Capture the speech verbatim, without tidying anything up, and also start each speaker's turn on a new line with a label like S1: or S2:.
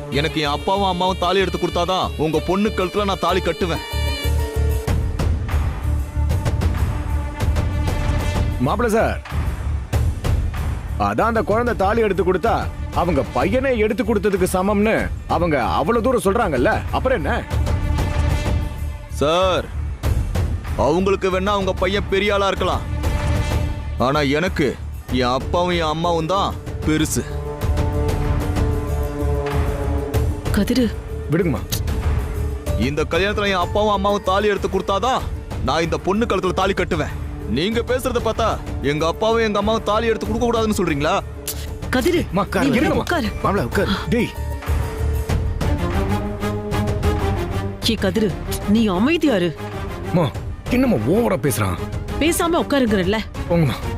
S1: எனக்கு என் அப்பாவும் அம்மாவும் தாலி எடுத்து கொடுத்தாதான் உங்க பொண்ணு கழுத்துல நான் தாலி கட்டுவேன்.
S2: மாப்பிள்ள சார், அதான் அந்த குழந்தை தாலி எடுத்து கொடுத்தா அவங்க பையனை எடுத்து கொடுத்ததுக்கு சமம்னு அவங்க அவ்வளவு தூரம் சொல்றாங்கல்ல, அப்புறம் என்ன
S1: சார்? அவங்களுக்கு வேணா அவங்க பையன் பெரிய ஆளா இருக்கலாம், ஆனா எனக்கு என் அப்பாவும் என் அம்மாவும் தான் பெருசு.
S3: கதிரு
S2: விடுங்கம்மா.
S1: இந்த கல்யாணத்துல என் அப்பாவும் அம்மாவும் தாலி எடுத்து கொடுத்தாதான் நான் இந்த பொண்ணு கழுத்துல தாலி கட்டுவேன். நீங்க பேசுறத பார்த்தா எங்க அப்பாவும் எங்க அம்மாவும் தாலி எடுத்து கொடுக்க கூடாதுன்னு சொல்றீங்களா?
S3: கதிரு
S2: உட்காரு. டேய்
S3: கே கதிரு, நீ அமைதியாரு.
S2: என்னமா ஓவரா பேசுறான்?
S3: பேசாம உட்காருங்கறல்ல.
S2: போங்கம்மா.